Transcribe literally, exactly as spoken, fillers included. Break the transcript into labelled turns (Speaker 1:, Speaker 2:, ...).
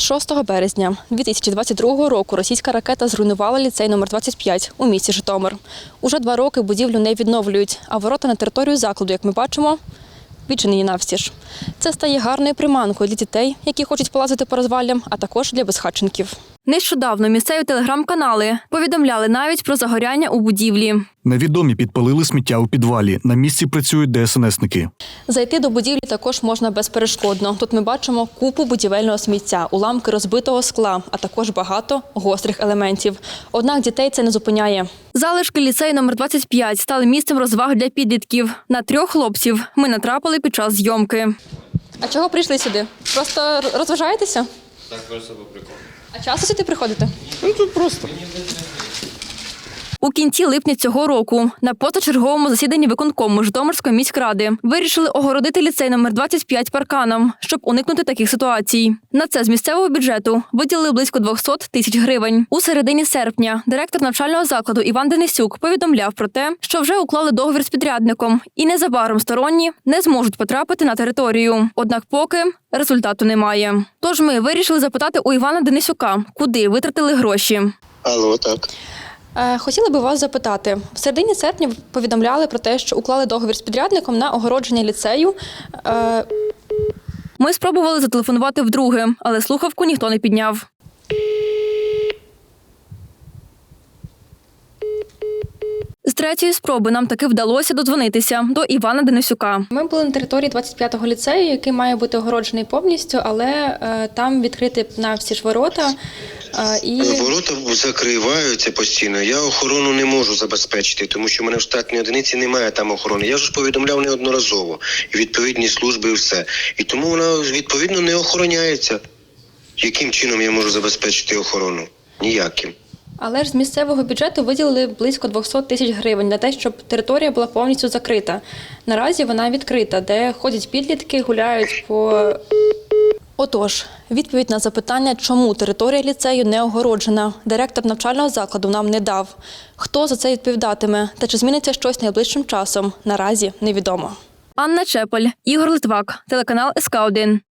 Speaker 1: шостого березня дві тисячі двадцять другого року російська ракета зруйнувала ліцей номер двадцять п'ять у місті Житомир. Уже два роки будівлю не відновлюють, а ворота на територію закладу, як ми бачимо, відчинені навстіж. Це стає гарною приманкою для дітей, які хочуть полазити по розвалям, а також для безхатченків. Нещодавно місцеві телеграм-канали повідомляли навіть про загоряння у будівлі.
Speaker 2: Невідомі підпалили сміття у підвалі. На місці працюють де ес ен есники.
Speaker 1: Зайти до будівлі також можна безперешкодно. Тут ми бачимо купу будівельного сміття, уламки розбитого скла, а також багато гострих елементів. Однак дітей це не зупиняє. Залишки ліцею номер двадцять п'ять стали місцем розваг для підлітків. На трьох хлопців ми натрапили під час зйомки. А чого прийшли сюди? Просто розважаєтеся?
Speaker 3: Так, просто по приколу.
Speaker 1: А часто сюди приходите?
Speaker 3: Ну тут просто.
Speaker 1: У кінці липня цього року на позачерговому засіданні виконкому Житомирської міськради вирішили огородити ліцей номер двадцять п'ять парканом, щоб уникнути таких ситуацій. На це з місцевого бюджету виділили близько двісті тисяч гривень. У середині серпня директор навчального закладу Іван Денисюк повідомляв про те, що вже уклали договір з підрядником і незабаром сторонні не зможуть потрапити на територію. Однак поки результату немає. Тож ми вирішили запитати у Івана Денисюка, куди витратили гроші.
Speaker 4: Алло, так.
Speaker 1: Хотіла би вас запитати. В середині серпня ви повідомляли про те, що уклали договір з підрядником на огородження ліцею. Ми спробували зателефонувати вдруге, але слухавку ніхто не підняв. З третьої спроби нам таки вдалося додзвонитися до Івана Денисюка. Ми були на території двадцять п'ятого ліцею, який має бути огороджений повністю, але е, там відкриті навсі ж ворота. Е, і...
Speaker 4: Ворота закриваються постійно. Я охорону не можу забезпечити, тому що в мене в штатній одиниці немає там охорони. Я ж повідомляв неодноразово. І відповідні служби і все. І тому вона відповідно не охороняється. Яким чином я можу забезпечити охорону? Ніяким.
Speaker 1: Але ж з місцевого бюджету виділили близько двісті тисяч гривень на те, щоб територія була повністю закрита. Наразі вона відкрита, де ходять підлітки, гуляють по... Отож, відповідь на запитання, чому територія ліцею не огороджена, директор навчального закладу нам не дав. Хто за це відповідатиме та чи зміниться щось найближчим часом, наразі невідомо. Анна Чепель, Ігор Литвак, телеканал ес ка один.